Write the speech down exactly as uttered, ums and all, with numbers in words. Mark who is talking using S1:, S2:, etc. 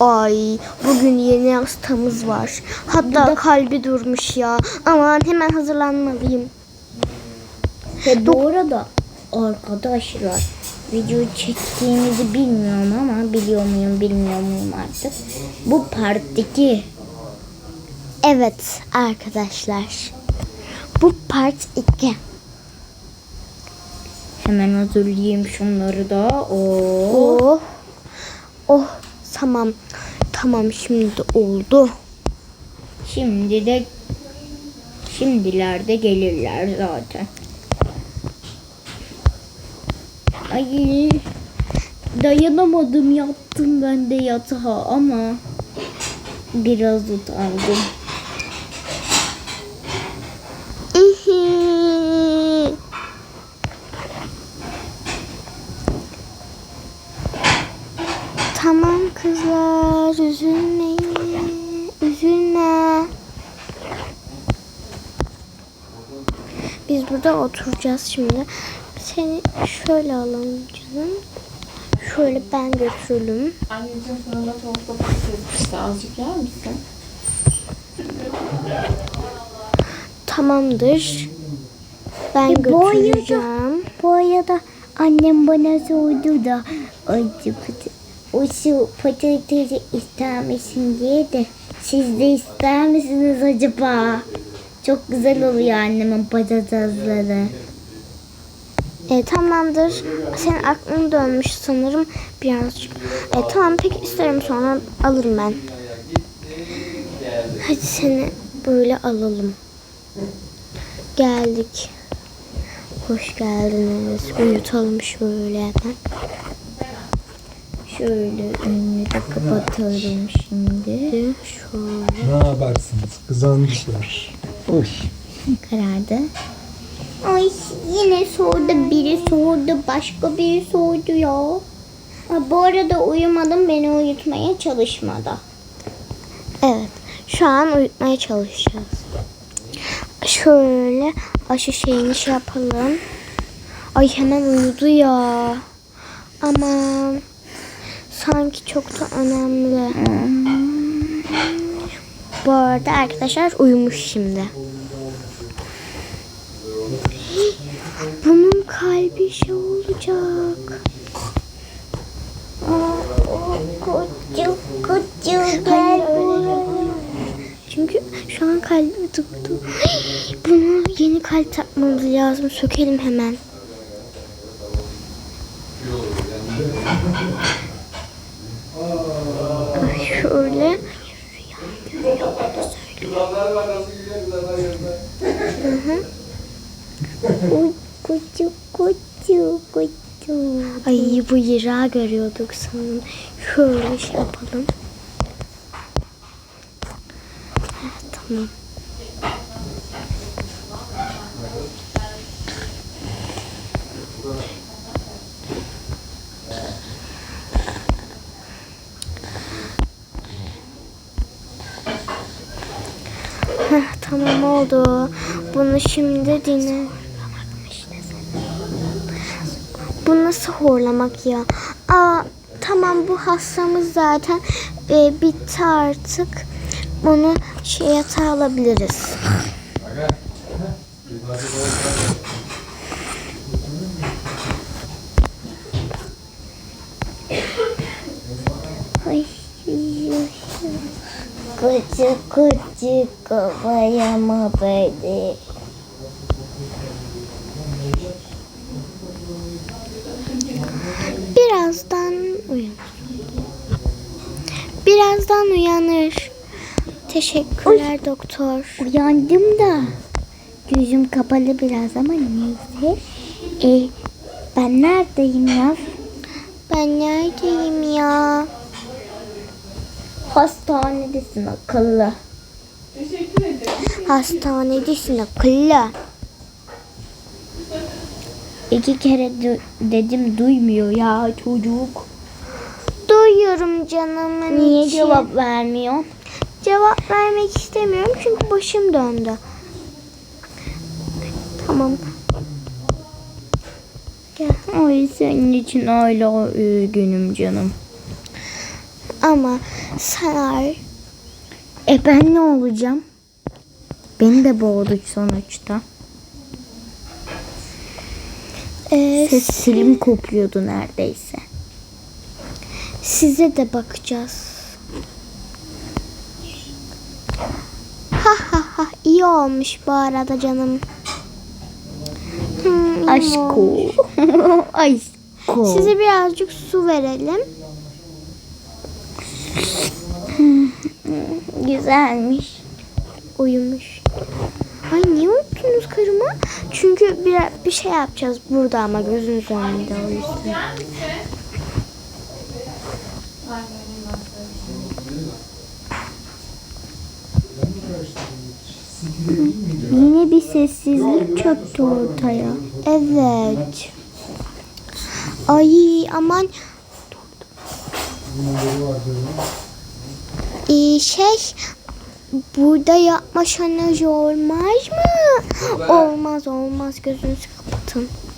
S1: Ay, bugün yeni hastamız var. Hatta
S2: Burada...
S1: kalbi durmuş ya. Aman hemen hazırlanmalıyım.
S2: Ve bu arada arkadaşlar, video çektiğimizi bilmiyorum ama biliyor muyum bilmiyor muyum artık. Bu parttaki.
S1: Evet arkadaşlar. Bu part iki.
S2: Hemen hazırlayayım şunları da. Oh.
S1: Oh. Oh tamam. Tamam şimdi de oldu.
S2: Şimdi de şimdilerde gelirler zaten. Ay, dayanamadım, yattım ben de yatağa ama biraz utandım.
S1: Tamam kızlar, üzülmeyin, üzülme. Biz burada oturacağız şimdi. Seni şöyle alalım canım. Şöyle ben götürelim.
S3: Anneciğim fırında tavuk pişirmişti. Azıcık yer misin?
S1: Tamamdır. Ben
S2: E, bu arada-
S1: götüreceğim.
S2: Bu arada annem bana sordu da acı o şu patatesi ister misin diye de siz de ister misiniz acaba? Çok güzel oluyor annemin patatesleri.
S1: E, tamamdır. Senin aklın dönmüş sanırım birazcık. E, tamam peki isterim sonra alırım ben. Hadi seni böyle alalım. Geldik. Hoş geldiniz. Uyutalım şöyle hemen.
S2: Şöyle önünü de kapatalım şimdi.
S1: Şöyle.
S4: Ne yaparsınız? Kızanmışlar. Oy.
S2: Karardı. Ay yine sordu, biri sordu, başka biri sordu ya. Ha, bu arada uyumadım, beni uyutmaya çalışmadı.
S1: Evet. Şu an uyutmaya çalışacağız. Şöyle aşı şeyini şey yapalım. Ay hemen uyudu ya. Aman. Sanki çok da önemli. Bu arada arkadaşlar uyumuş şimdi. Bunun kalbi şey olacak.
S2: Kucu kucu
S1: Hayır,
S2: gel
S1: öyle
S2: buraya.
S1: Çünkü şu an kalbi durdu. Bunu yeni kalp takmamız lazım. Sökelim hemen. Ay şöyle. Hı hı.
S2: Uy, kucu kucu kucu.
S1: Ay bu yırağı görüyorduk sanırım. Şöyle şey yapalım. Heh, tamam. Heh, tamam oldu. Bunu şimdi dinle. Bu nasıl horlamak ya? Aa, tamam bu hastamız zaten e, bitti artık. Bunu şey yatağa alabiliriz.
S2: Ay, kucu kucu kafaya mı böyle?
S1: Birazdan uyanır. Birazdan uyanır. Teşekkürler doktor.
S2: Uyandım da gözüm kapalı biraz ama neyse. E, ben neredeyim ya?
S1: Ben neredeyim ya?
S2: Hastanedesin akıllı.
S1: Hastanedesin akıllı.
S2: İki kere du- dedim duymuyor ya çocuk.
S1: Duyuyorum canımın
S2: Niye
S1: içi.
S2: cevap vermiyor?
S1: Cevap vermek istemiyorum çünkü başım döndü. Tamam. Gel.
S2: Ay senin için hala üzgünüm canım.
S1: Ama sarar.
S2: E ben ne olacağım? Beni de boğdu sonuçta.
S1: Ee,
S2: Sesim kopuyordu neredeyse.
S1: size de bakacağız. Ha ha ha, iyi olmuş bu arada canım. Hmm, iyi
S2: Aşko.
S1: olmuş.
S2: Aşko.
S1: Size birazcık su verelim.
S2: Güzelmiş.
S1: Uyumuş. Ay niye uyuttunuz karımı? Çünkü bir, bir şey yapacağız burada ama gözünüz önünde o yüzden.
S3: Ay, vereyim ben size.
S2: Yine bir sessizlik çöktü ortaya.
S1: Evet. Ay aman. Ee, şey burada yapma şanajı olmaz mı? Olmaz olmaz, gözünüzü kapatın.